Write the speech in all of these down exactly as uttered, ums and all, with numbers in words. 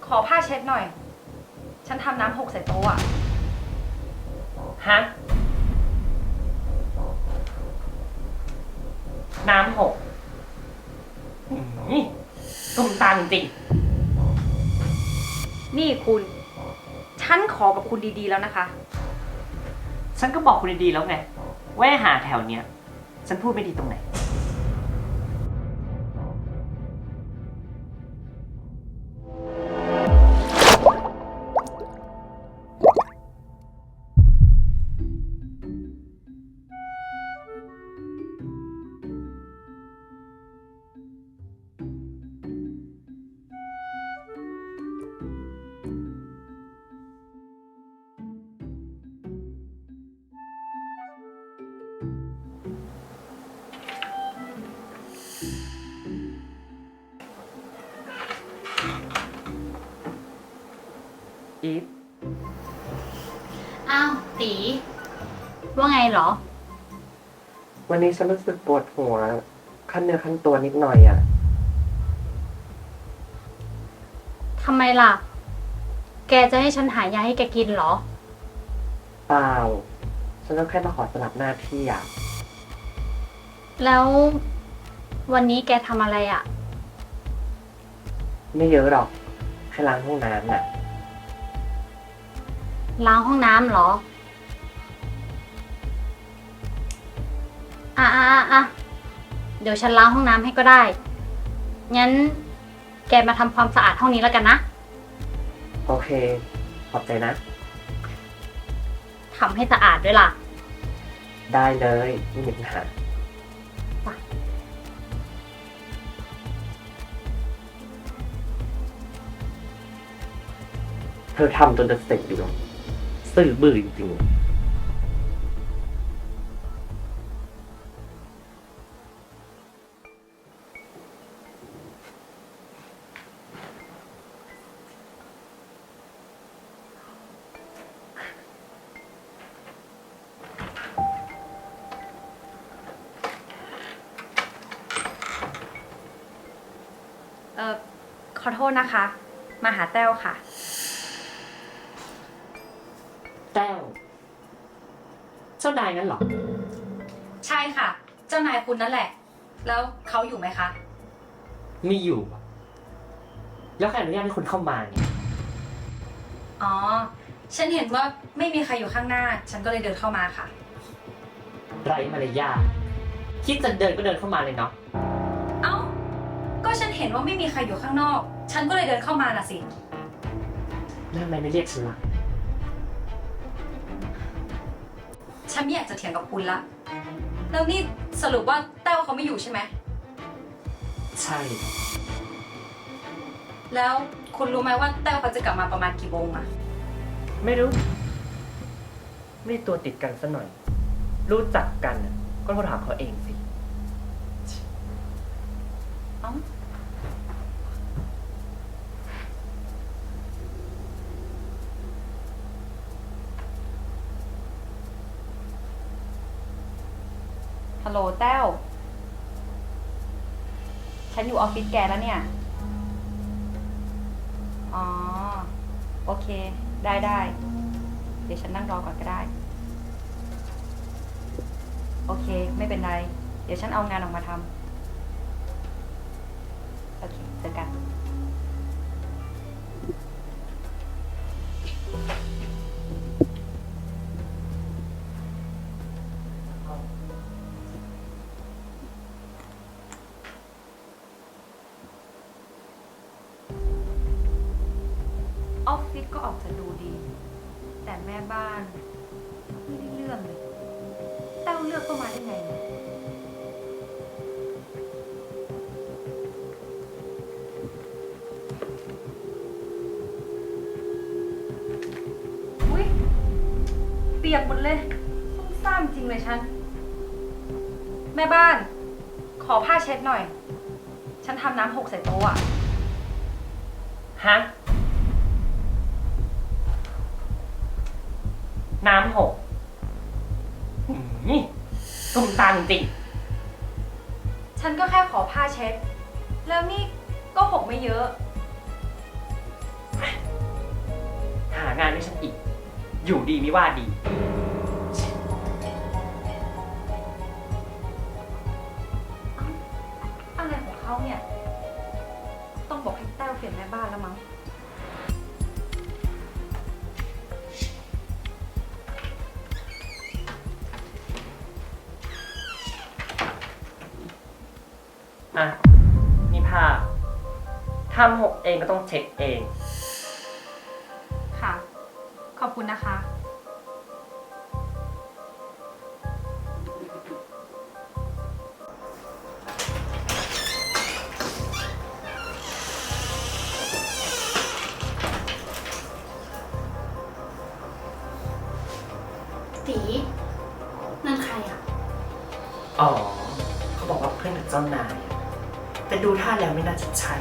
ขอผ้าเช็ดหน่อย ฉันทำน้ำหกใส่โต๊ะอะฮะ น้ำหกหืมตุ่มตามจริงนี่คุณ ฉันขอกับคุณดีๆแล้วนะคะๆฉันก็บอกคุณดีๆแล้วไงว่าให้หาแถวเนี้ย ฉันพูดไม่ดีตรงไหน อีฟอ้าวตีว่าไงเหรอวันนี้ฉันรู้สึกปวดหัวขั้นเนื้อขั้นตัวนิดหน่อยอ่ะทำไมล่ะ แกจะให้ฉันหายาให้แกกินเหรอเปล่า ฉันก็แค่มาขอสลับหน้าที่อ่ะแล้ววันนี้แกทำอะไรอะ่ะไม่เยอะหรอก แค่ล้างห้องน้ำน่ะล้างห้องน้ำเหรอ อ่ะอ่ะอ่ะอ่ะเดี๋ยวฉันล้างห้องน้ำให้ก็ได้ งั้นแกมาทำความสะอาดห้องนี้แล้วกันนะโอเค ขอบใจนะทำให้สะอาดด้วยล่ะได้เลยไม่มีปัญหาจ้ะเธอทำจนจะเสร็จอยู่หรอกซื่อบื้อจริงๆเอ่อ ขอโทษนะคะ มาหาแต้วค่ะแต้ว เจ้านายงั้นเหรอใช่ค่ะ เจ้านายคุณนั่นแหละ แล้วเขาอยู่ไหมคะมีอยู่อะแล้วใครอนุญาตให้คุณเข้ามาเนี่ยอ๋อ ฉันเห็นว่าไม่มีใครอยู่ข้างหน้า ฉันก็เลยเดินเข้ามาค่ะไร้มารยาทคิดจะเดินก็เดินเข้ามาเลยเนาะเอ้า ก็ฉันเห็นว่าไม่มีใครอยู่ข้างนอก ฉันก็เลยเดินเข้ามาน่ะสิแล้วทำไมไม่เรียกฉันล่ะฉันไม่อยากจะเถียงกับคุณละ แล้วนี่สรุปว่าแต้วเขาไม่อยู่ใช่ไหมใช่แล้วคุณรู้ไหมว่าแต้วเขาจะกลับมาประมาณกี่โมงอะไม่รู้ ไม่ได้ตัวติดกันซะหน่อย รู้จักกันน่ะก็โทรถามเขาเองสิเอ้าฮัลโหลแต้ว ฉันอยู่ออฟฟิศแกแล้วเนี่ย อ๋อ โอเค ได้ได้ เดี๋ยวฉันนั่งรอก่อนก็ได้ โอเค ไม่เป็นไร เดี๋ยวฉันเอางานออกมาทำ โอเค เจอกัน ออฟฟิศก็ออกจะดูดี แต่แม่บ้านไม่ได้เรื่องเลย แต้วเลือกเข้ามาได้ไงเนี่ยอุ๊ยเปียกหมดเลยซุ่มซ่ามจริงเลยฉัน แม่บ้าน ขอผ้าเช็ดหน่อย ฉันทำน้ำหกใส่โต๊ะอะฮะ น้ำหกหืมตุ่มตามจริงฉันก็แค่ขอผ้าเช็ด แล้วนี่ก็หกไม่เยอะหางานให้ฉันอีก อยู่ดีไม่ว่าดีอะไรของเขาเนี่ย ต้องบอกให้แต้วเปลี่ยนแม่บ้านแล้วมั้งอ่ะ นี่ผ้าทำหกเองก็ต้องเช็คเองค่ะ ขอบคุณนะคะตีนั่นใครอ่ะอ๋อ เขาบอกว่าเพื่อนกับเจ้านายอะแต่ดูท่าแล้วไม่น่าจะใช่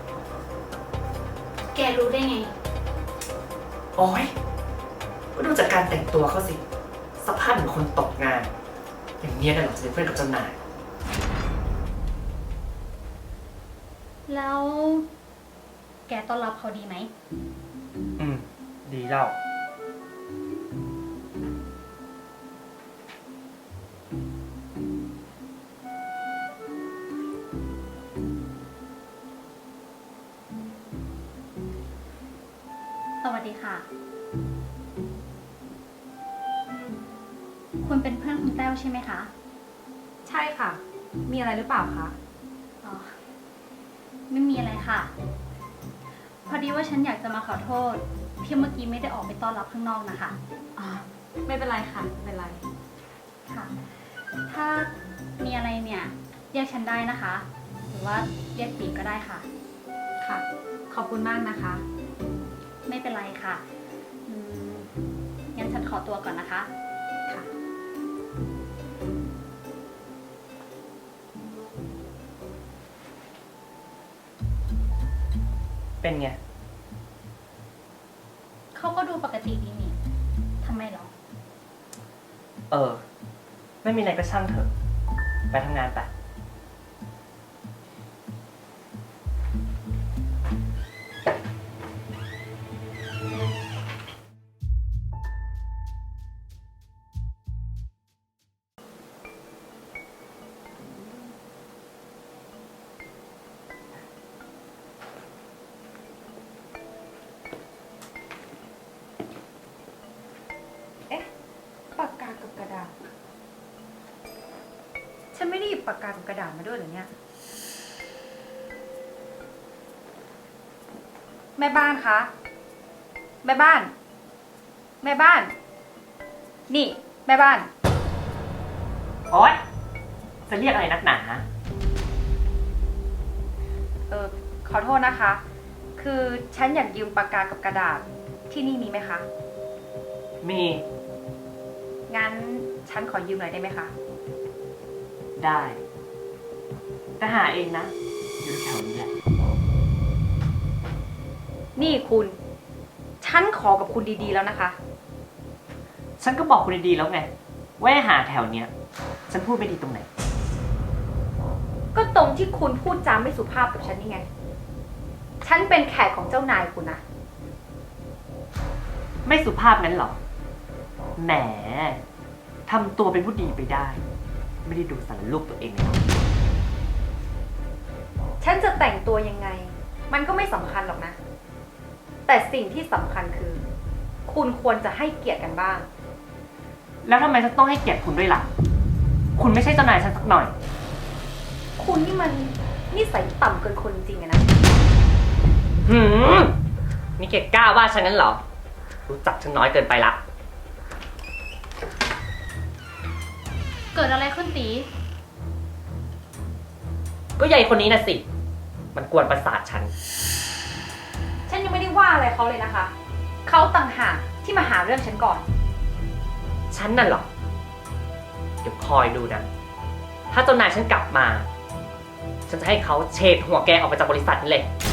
แกรู้ได้ไงโอ้ยก็ดูจากการแต่งตัวเขาสิ สภาพเหมือนคนตกงาน อย่างเนี้ยน่ะหรอจะเป็นเพื่อนกับเจ้านายแล้ว แกต้อนรับเขาดีไหมอืม ดีแล้วสวัสดีค่ะ คุณเป็นเพื่อนคุณแต้วใช่ไหมคะใช่ค่ะ มีอะไรหรือเปล่าคะอ๋อ ไม่มีอะไรค่ะ พอดีว่าฉันอยากจะมาขอโทษที่เมื่อกี้ไม่ได้ออกไปต้อนรับข้างนอกนะคะอ๋อ ไม่เป็นไรค่ะ ไม่เป็นไรค่ะ ถ้ามีอะไรเนี่ยเรียกฉันได้นะคะ หรือว่าเรียกปีก็ได้ค่ะค่ะ ขอบคุณมากนะคะไม่เป็นไรค่ะอืมงั้นฉันขอตัวก่อนนะคะค่ะเป็นไงเขาก็ดูปกติดีนี่ทำไมหรอเออ ไม่มีอะไรก็ช่างเถอะ ไปทำงานไปเอ๊ะ ปากกากับกระดาษ ฉันไม่ได้หยิบปากกากับกระดาษมาด้วยเหรอเนี่ย แม่บ้านคะ แม่บ้าน แม่บ้าน นี่ แม่บ้านโอ๊ย จะเรียกอะไรนักหนาเออ ขอโทษนะคะ คือฉันอยากยืมปากกากับกระดาษ ที่นี่มีไหมคะมีงั้นฉันขอยืมหน่อยได้ไหมคะได้ แต่หาเองนะ อยู่แถวนี้แหละนี่คุณ ฉันขอกับคุณดีๆแล้วนะคะฉันก็บอกคุณดีๆแล้วไง ว่าให้หาแถวเนี้ย ฉันพูดไม่ดีตรงไหนก็ตรงที่คุณพูดจาไม่สุภาพกับฉันนี่ไง ฉันเป็นแขกของเจ้านายคุณนะไม่สุภาพนั้นหรอ แหม ทำตัวเป็นผู้ดีไปได้ ไม่ได้ดูสารรูปตัวเองเลยหรอกฉันจะแต่งตัวยังไง มันก็ไม่สำคัญหรอกนะ แต่สิ่งที่สำคัญคือ คุณควรจะให้เกียรติกันบ้างแล้วทำไมฉันต้องให้เกียรติคุณด้วยล่ะ คุณไม่ใช่เจ้านายฉันสักหน่อยคุณนี่มันนิสัยต่ำเกินคนจริงๆอะนะหืม นี่แกกล้าว่าฉันงั้นเหรอ รู้จักฉันน้อยเกินไปละเกิดอะไรขึ้นตีก็ใหญ่คนนี้นะสิ มันกวนประสาทฉันฉันยังไม่ได้ว่าอะไรเขาเลยนะคะ เขาต่างหากที่มาหาเรื่องฉันก่อนฉันน่ะเหรอ เดี๋ยวคอยดูนะ ถ้าเจ้านายฉันกลับมา ฉันจะให้เขาเฉดหัวแกออกไปจากบริษัทนี้เลย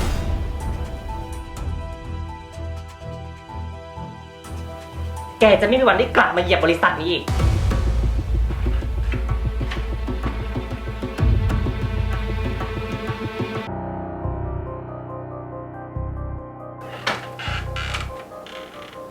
แกจะไม่มีวันได้กลับมาเหยียบบริษัทนี้อีก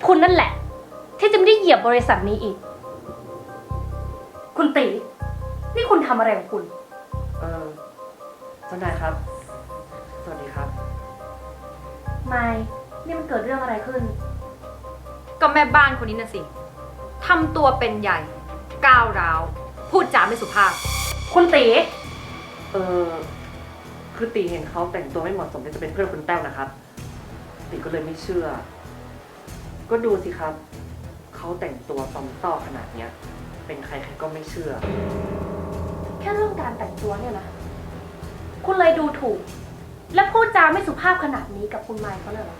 คุณนั่นแหละ ที่จะไม่ได้เหยียบบริษัทนี้อีก คุณตี นี่คุณทำอะไรของคุณเออเจ้านายครับ สวัสดีครับไม่นี่มันเกิดเรื่องอะไรขึ้นก็แม่บ้านคนนี้น่ะสิทำตัวเป็นใหญ่ ก้าวร้าว พูดจาไม่สุภาพคุณตีเออคือตีเห็นเขาแต่งตัวไม่เหมาะสมที่จะเป็นเพื่อนคุณแต้วนะครับ ตีก็เลยไม่เชื่อ ก็ดูสิครับ เขาแต่งตัวซอมต้อขนาดเนี้ย เป็นใครใครก็ไม่เชื่อแค่เรื่องการแต่งตัวเนี่ยนะ คุณเลยดูถูก และพูดจาไม่สุภาพขนาดนี้กับคุณไมค์เขาเลยเหรอ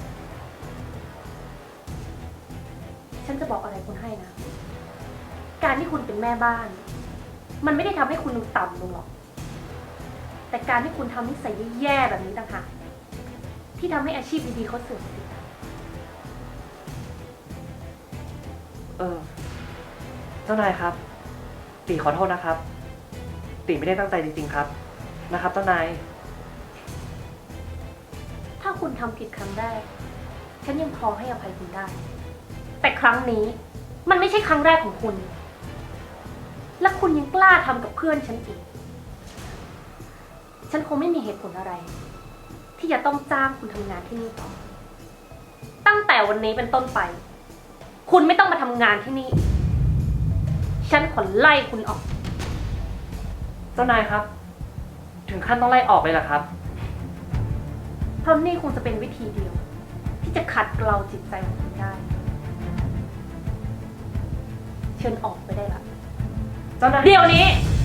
ฉันจะบอกอะไรคุณให้นะ การที่คุณเป็นแม่บ้าน มันไม่ได้ทำให้คุณดูต่ำลงหรอก แต่การที่คุณทำนิสัยแย่ๆแบบนี้ต่างหากที่ทำให้อาชีพดีๆเขาเสื่อมเสียเออ เจ้านายครับ ตีขอโทษนะครับ ตีไม่ได้ตั้งใจจริงๆครับ นะครับเจ้านายถ้าคุณทำผิดครั้งแรก ฉันยังพอให้อภัยคุณได้ แต่ครั้งนี้มันไม่ใช่ครั้งแรกของคุณ และคุณยังกล้าทำกับเพื่อนฉันอีก ฉันคงไม่มีเหตุผลอะไร ที่จะต้องจ้างคุณทำงานที่นี่ต่อ ตั้งแต่วันนี้เป็นต้นไป คุณไม่ต้องมาทำงานที่นี่ ฉันขอไล่คุณออกเจ้านายครับ ถึงขั้นต้องไล่ออกเลยเหรอครับเพราะนี่คงจะเป็นวิธีเดียว ที่จะขัดเกลาจิตใจของคุณได้ เชิญออกไปได้ละเจ้านายเดี๋ยวนี้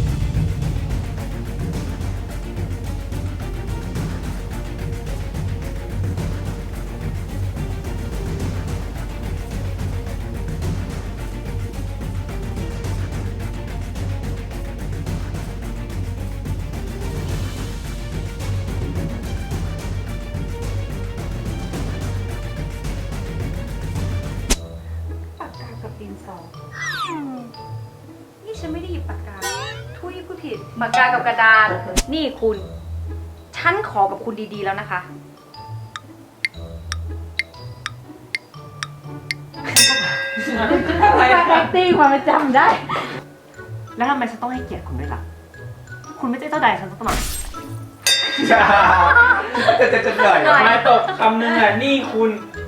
ปากกากับดินสออืมนี่ฉันไม่ได้หยิบปากกา ทุยผู้ผิด ปากกากับกระดาษ นี่คุณ ฉันขอกับคุณดีๆแล้วนะคะตีความจำได้แล้วทำไมฉันต้องให้เกียรติคุณด้วยล่ะ คุณไม่ใช่เจ้านายฉันสักหน่อยจะจะจะเหนื่อยหน่อยมาตกคำหนึ่งอ่ะนี่คุณ